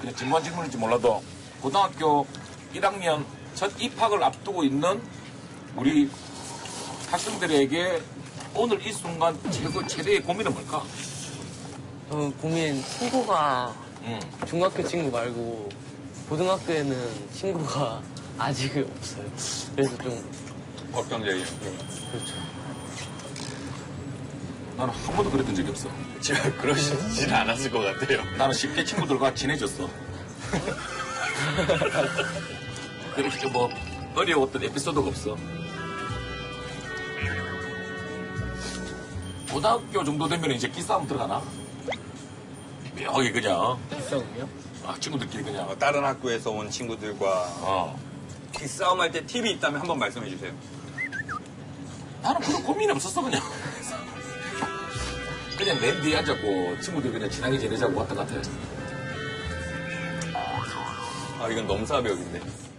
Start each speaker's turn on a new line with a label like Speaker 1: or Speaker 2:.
Speaker 1: 그냥 진부한 질문일지 몰라도 고등학교 1학년 첫 입학을 앞두고 있는 우리 학생들에게 오늘 이 순간 최대의 고민은 뭘까?
Speaker 2: 고민 친구가
Speaker 1: 응.
Speaker 2: 중학교 친구 말고 고등학교에는 친구가 아직 없어요. 그래서 좀
Speaker 3: 걱정적이에요.
Speaker 2: 그렇죠.
Speaker 1: 나는 한 번도 그랬던 적이 없어.
Speaker 3: 제가 그러시진 않았을 것 같아요.
Speaker 1: 나는 쉽게 친구들과 친해졌어. 그렇게 뭐 어려웠던 에피소드가 없어. 고등학교 정도 되면 이제 기싸움 들어가나? 묘하게 그냥
Speaker 2: 기싸움이요?
Speaker 1: 친구들끼리 그냥
Speaker 3: 다른 학교에서 온 친구들과 기싸움할 때 팁이 있다면 한번 말씀해 주세요.
Speaker 1: 나는 그런 고민이 없었어 그냥. 그냥 맨 뒤에 앉았고 친구들 그냥 친하게 지내자고 왔다 갔다 했어.
Speaker 3: 이건 넘사벽인데.